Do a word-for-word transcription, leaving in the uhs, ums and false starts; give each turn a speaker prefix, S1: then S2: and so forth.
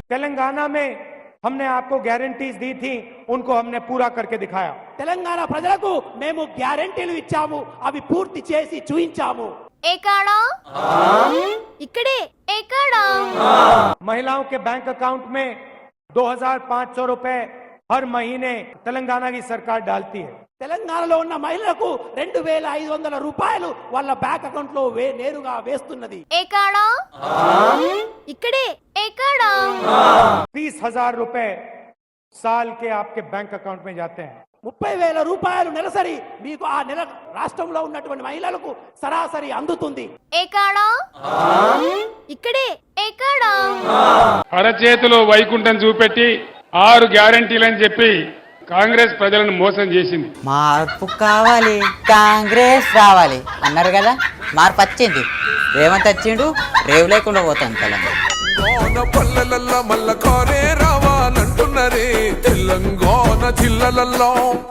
S1: तेलंगाना में हमने आपको गारंटीज दी थी, उनको हमने पूरा करके दिखाया।
S2: తెలంగాణ ప్రజలకు మేము గ్యారెంటీలు ఇచ్చాము, అవి పూర్తి చేసి చూయించాము.
S3: ఎక్కడా ఇక్కడే ఎక్కడా
S1: महिलाओं के बैंक अकाउंट में दो हजार पाँच सौ रुपए हर महीने तेलंगाना की सरकार डालती है।
S2: తెలంగాణలో ఉన్న మహిళలకు రెండు వేల ఐదు వందల రూపాయలు వాళ్ళ బ్యాంక్ అకౌంట్ లో వే నేరుగా వేస్తున్నది.
S3: ఎక్కడా ఇక్కడే ఎక్కడా
S1: तीस हजार रुपए साल के आपके बैंक अकाउंट में जाते हैं।
S2: ముప్పై వేల రూపాయలు నెలసరి మీకు ఆ నెల రాష్ట్రంలో ఉన్నటువంటి మహిళలకు సరాసరి అందుతుంది.
S3: ఎక్కడా ఇక్కడే ఎక్కడా
S4: అరచేతిలో వైకుంఠం చూపెట్టి ఆరు గ్యారంటీలని చెప్పి కాంగ్రెస్ ప్రజలను మోసం చేసింది.
S5: మార్పు కావాలి, కాంగ్రెస్ రావాలి అన్నారు కదా, మార్పు వచ్చింది. రేవంత్ వచ్చిండు, రేవు లేకుండా పోతాను తెలంగాణ
S6: పల్లెలల్లో మల్ల కారే రావాలంటున్నరే తెలంగాణ జిల్లలలో.